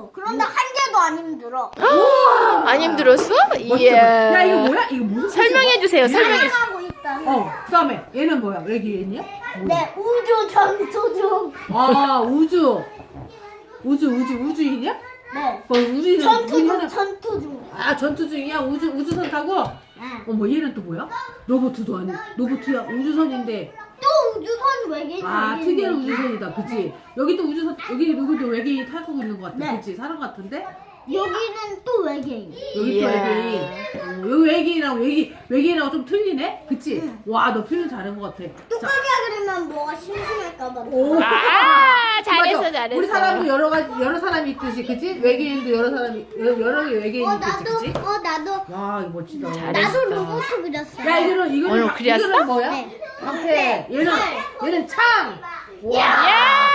그런데 한 개도 안 힘들어. 안 힘들었어? 야 이야. 이거 뭐야? 이거 무슨 설명해 주세요. 설명해. 하고 있다. 그다음에 얘는 뭐야? 외계인이야? 네, 우주 전투 중. 아 우주인이야? 네. 우주인 전투 중. 아 전투 중이야? 우주선 타고? 네. 어머 얘는 또 뭐야? 로봇도 아니 로봇이야 우주선인데 또 우주선 외계인. 특이한 우주선이다 그치? 여기 또 우주선 여기 누구도 외계인이 타고 있는 것 같아 네. 그치? 사람 같은데? 여기는 또 외계인. 여기 또 이야. 외계인 여기 외계인하고 좀 틀리네? 그치? 와 너 표현 잘한 것 같아 뚜껑이야 그러면 뭐가 심심할까봐. 오. 아, 잘했어, 맞아. 잘했어. 우리 사람도 여러 사람이 있듯이 그치? 외계인도 여러 개 외계인이 있듯이 그치? 나도. 와 이거 멋지다 잘했어. 나도 로봇 그렸어. 야 이거는 오늘 그렸어? 이거는 뭐야? 네. 방패 얘는 창 와. 야!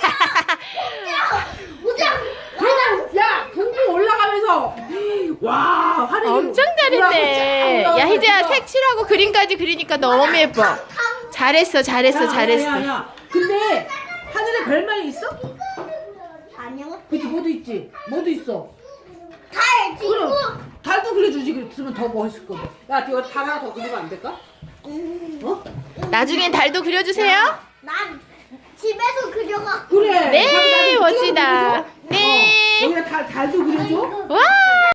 그냥 야 동부 올라가면서 와 하늘이 엄청 잘했네. 야, 희재야, 색칠하고 그림까지 그리니까 너무 예뻐. 잘했어, 잘했어, 잘했어. 야. 근데 하늘에 별만이 있어? 아니요. 그치 뭐도 있지 뭐도 있어 달 지구. 그럼 달도 그려주지 그랬으면 더 멋있을 거야 야 이거 달 하나 더 그리면 안 될까? 어? 나중엔 달도 그려주세요. 난 집에서 그려가. 그래 네, 나도 멋지다. 그려줘. 네. 여기다 달도 그려줘 와!